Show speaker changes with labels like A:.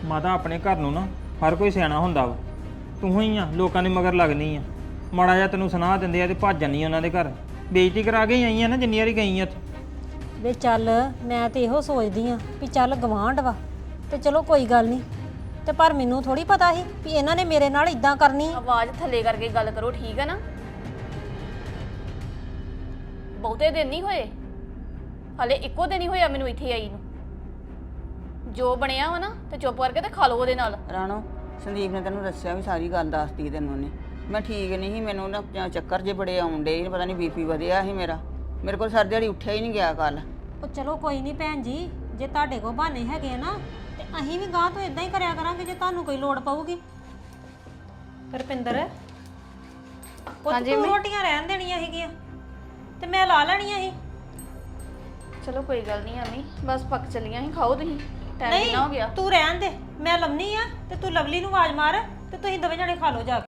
A: ਮਾਤਾ ਆਪਣੇ ਘਰ ਨੂੰ ਨਾ ਹਰ ਕੋਈ ਸਿਆਣਾ ਹੁੰਦਾ ਵਾ। ਤੂੰ ਹੀ ਆ ਲੋਕਾਂ ਦੇ ਮਗਰ ਲੱਗਣੀ ਆ। ਮਾੜਾ ਜਿਹਾ ਤੈਨੂੰ ਸੁਣਾ ਦਿੰਦੇ ਆ ਤੇ ਭੱਜ ਜਾਨੀ ਉਹਨਾਂ ਦੇ ਘਰ। ਬੇਇੱਜ਼ਤੀ ਕਰਾ ਕੇ ਹੀ ਆਈ ਆ ਨਾ ਜਿੰਨੀ ਵਾਰੀ ਗਈ ਆ ਉੱਥੇ।
B: ਵੇ ਚੱਲ ਮੈਂ ਤੇ ਇਹੋ ਸੋਚਦੀ ਆ ਵੀ ਚੱਲ ਗਵਾਂਢ ਵਾ ਤੇ ਚਲੋ ਕੋਈ ਗੱਲ ਨਹੀਂ, ਤੇ ਪਰ ਮੈਨੂੰ ਥੋੜੀ ਪਤਾ ਸੀ ਵੀ ਇਹਨਾਂ ਨੇ ਮੇਰੇ ਨਾਲ ਇਦਾਂ ਕਰਨੀ।
C: ਆਵਾਜ਼ ਥੱਲੇ ਕਰਕੇ ਗੱਲ ਕਰੋ, ਠੀਕ ਹੈ ਨਾ? ਬਹੁਤੇ ਦਿਨ ਨਹੀਂ ਹੋਏ, ਹਲੇ ਇੱਕੋ ਦਿਨ ਹੀ ਹੋਇਆ ਮੈਨੂੰ ਇੱਥੇ ਆਈ ਨੂੰ। ਜੋ ਬਣਿਆ ਵਾ ਨਾ ਤੇ ਚੁੱਪ ਕਰਕੇ ਤੇ ਖਾ ਲਓ ਉਹਦੇ ਨਾਲ।
D: ਰਾਣੋ, ਸੰਦੀਪ ਨੇ ਤੈਨੂੰ ਦੱਸਿਆ ਵੀ ਸਾਰੀ ਗੱਲ ਦੱਸਤੀ ਤੈਨੂੰ ਉਹਨੇ। ਮੈਂ ਠੀਕ ਨਹੀਂ ਸੀ, ਮੈਨੂੰ ਨਾ ਚੱਕਰ ਜੇ ਬੜੇ ਆਉਣ ਡੇ, ਪਤਾ ਨਹੀਂ ਬੀਪੀ ਵਧਿਆ ਸੀ ਮੇਰਾ। ਮੇਰੇ ਕੋਲ ਸਾਰੀ ਦਿਹਾੜੀ ਉੱਠਿਆ ਹੀ ਨਹੀਂ ਗਿਆ ਕੱਲ।
B: ਉਹ ਚਲੋ ਕੋਈ ਨਹੀਂ ਭੈਣ ਜੀ, ਜੇ ਤੁਹਾਡੇ ਕੋਲ ਬਹਾਨੇ ਹੈਗੇ ਨਾ ਤੇ ਅਸੀਂ ਵੀ ਗਾਂ ਤੋਂ ਇਦਾਂ ਹੀ ਕਰਿਆ ਕਰਾਂਗੇ ਜੇ ਤੁਹਾਨੂੰ ਕੋਈ ਲੋੜ ਪਊਗੀ। ਰੁਪਿੰਦਰ, ਤੂੰ ਰੋਟੀਆਂ ਰਹਿਣ ਦੇਣੀਆਂ ਸੀਗੀਆਂ ਤੇ ਮੈਂ ਲਾ ਲੈਣੀਆਂ ਸੀ।
C: ਚਲੋ ਕੋਈ ਗੱਲ ਨਹੀਂ ਅਮੀ, ਬਸ ਪੱਕ ਚੱਲੀਆਂ ਸੀ, ਖਾਓ ਤੁਸੀਂ। ਟਾਈਮ ਕਿੰਨਾ ਹੋ ਗਿਆ?
B: ਤੂੰ ਰਹਿਣ ਦੇ, ਮੈਂ ਲੰਮੀ ਆ ਤੇ ਤੂੰ ਲਵਲੀ ਨੂੰ ਆਵਾਜ਼ ਮਾਰ ਤੇ ਤੁਸੀਂ ਦੋਵੇਂ ਜਣੇ ਖਾ ਲਓ ਜਾ ਕੇ।